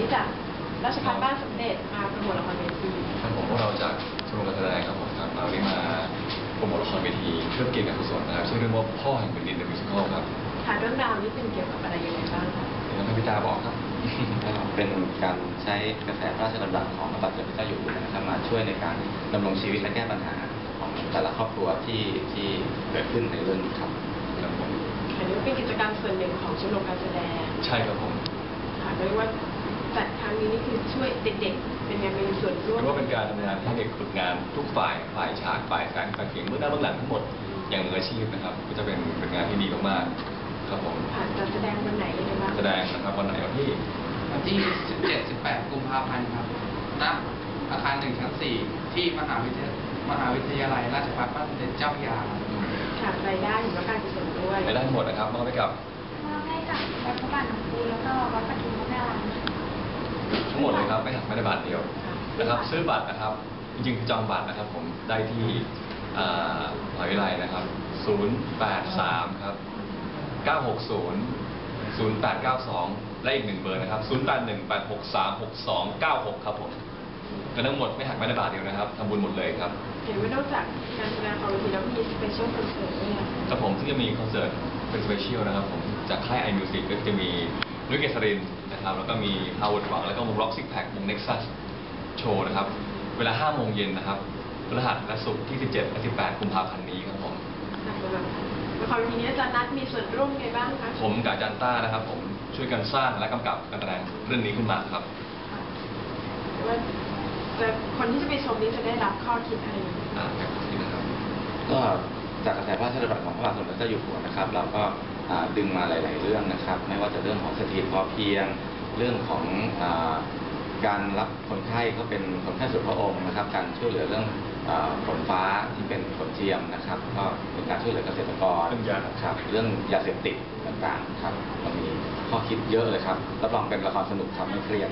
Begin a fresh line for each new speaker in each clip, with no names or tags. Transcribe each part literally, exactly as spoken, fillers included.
จากราชภัฏบ้านสมเด็จมาโปรโมทละครเวที
ครับผมพวกเราจากชมรมการแสดงครับผมครับมาวันนี้มาโปรโมทละครเวทีเพื่อเกียรติการกุศลนะครับชื่อเรื่องว่าพ่อแห่งแผ่นดินเดอะมิวสิคอลครับ
ค่ะเรื่องราวนี้เป็นเกี่ยวกับอะไรยังไงบ้างคะ
เดี๋ยวให้พี่ตาบอกครับ
เป็นการใช้กระแสพระราชดำรัสของพระบาทสมเด็จพระเจ้าอยู่หัวนะครับมาช่วยในการดำรงชีวิตและแก้ปัญหาของแต่ละครอบครัวที่ที่เกิดขึ้นในเรื่องนี้ครับ
ครับผม
อันนี้เป็นกิจกรรมส่วนหนึ่งของชมรมการแสดง
ใช่ครับผม
ค่ะเรียกว่าจัดครั้งนี้นี่คือช่วยเด็กๆเป็นงานมีส่วนร่วม
เพราะว่าเป็นการทำงานให้เด็กฝึกงานทุกฝ่ายฝ่ายฉากฝ่ายแสงฝ่ายเสียงเบื้องหน้าเบื้องหลังทั้งหมดอย่างมืออาชีพนะครับก็จะเป็นเป็นงานที่ดีมากๆครับผม
ผ่านการแสดงวันไหนยังไงบ้าง
แสดงนะครับวันไหนวันที่
วันที่ สิบเจ็ด สิบแปด กุมภาพันธ์ครับณอาคารหนึ่งชั้นสี่ที่มหาวิทยามหาวิทยาลัยราชภัฏบ้านสมเด็จเจ้าพระยา
ค่ะรายได้หรือว่าการกุศลด้วย
รายได้หมดนะครับมอบให้กับ
มอบให้กับวัดพระบาทหลวงปู่แล้วก็วัดปทุมวนาราม
ทั้งหมดเลยครับไม่หักไม่ได้บาทเดียวนะครับซื้อบัตรนะครับจริงๆจองบัตรนะครับผมได้ที่มหาวิทยาลัยนะครับศูนย์ แปด สาม ครับเก้า หก ศูนย์ ศูนย์ แปด เก้า สองและอีกหนึ่งเบอร์นะครับศูนย์ แปด หนึ่ง แปด หก สาม หก สอง เก้า หกครับผมก็ทั้งหมดไม่หักไม่ได้บาทเดียวนะครับทำบุญหมดเลยครับ
เห็นว่านอกจากการแสดงของเวทีแล้วมีสเปเชียลคอนเสิร์ตด้วย
ครับผมที่จะมีคอนเสิร์ตเป็นสเปเชียลนะครับผมจากค่าย ไอ มิวสิก ก็จะมีนุ้ยเกษรินนะครับแล้วก็มีฮาวเวิร์ดหวังแล้วก็วงร็อกซิกแพควงเน็กซัสโชว์นะครับเวลาห้าโมงเย็นนะครับพฤหัสและศุกร์ที่สิบเจ็ดและสิบแปดกุมภาพันธ์นี้ครับผม
ละครเวทีนี้อาจารย์นัทมีส่วนร่วมไงบ้างคะ
ผมกับอาจารย์ต้านะครับผมช่วยกันสร้างและกำกับการแสดงเรื่องนี้ขึ้นมาครับ
ว่าจะคนที่จะไปชมนี้จะได้รับข้อคิดอะไร
อ่าแบบนี้นะครับ
ก็จากกระแสพระราชดำรัสของพระบาทสมเด็จพระเจ้าอยู่หัวนะครับเราก็ดึงมาหลายๆเรื่องนะครับไม่ว่าจะเรื่องของเศรษฐกิจพอเพียงเรื่องของการรับคนไข้ก็เป็นคนไข้ส่วนพระองค์นะครับการช่วยเหลือเรื่องฝนฟ้าที่เป็นฝนเทียมนะครับก็เป็นการช่วยเหลือเกษตรกรครับเรื่องยาเสพติดต่างๆครับมันมีข้อคิดเยอะเลยครับรับรองเป็นละครสนุกครับไม่เครียด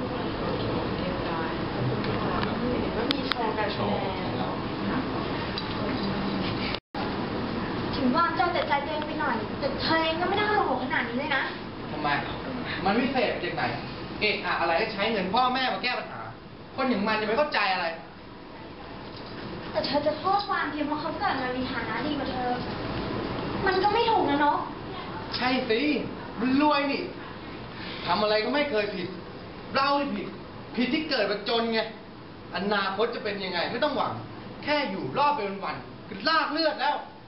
ก็มีโชว์การแสดง
ถึงว่าเจ้าแต่ใจตัวเองไปหน่อยแต่เธอเองก็ไม่ได้โหดขนาดนี้เลยนะ
ทำไมมันวิเศษจากไหนเอะอะอะไรใช้เงินพ่อแม่มาแก้ปัญหาคนอย่างมันจะไม่เข้าใจอะไร
แต่เธอจะโทษความเพียงเพราะเขาเกิดมามีฐานะดีกว่าเธอมันก็ไม่ถูกนะเนาะ
ใช่สิมันรวยนี่ทำอะไรก็ไม่เคยผิดเราที่ผิดผิดที่เกิดมาจนไงอนาคตจะเป็นยังไงไม่ต้องหวังแค่อยู่รอดไปวันๆคือลากเลือดแล้ว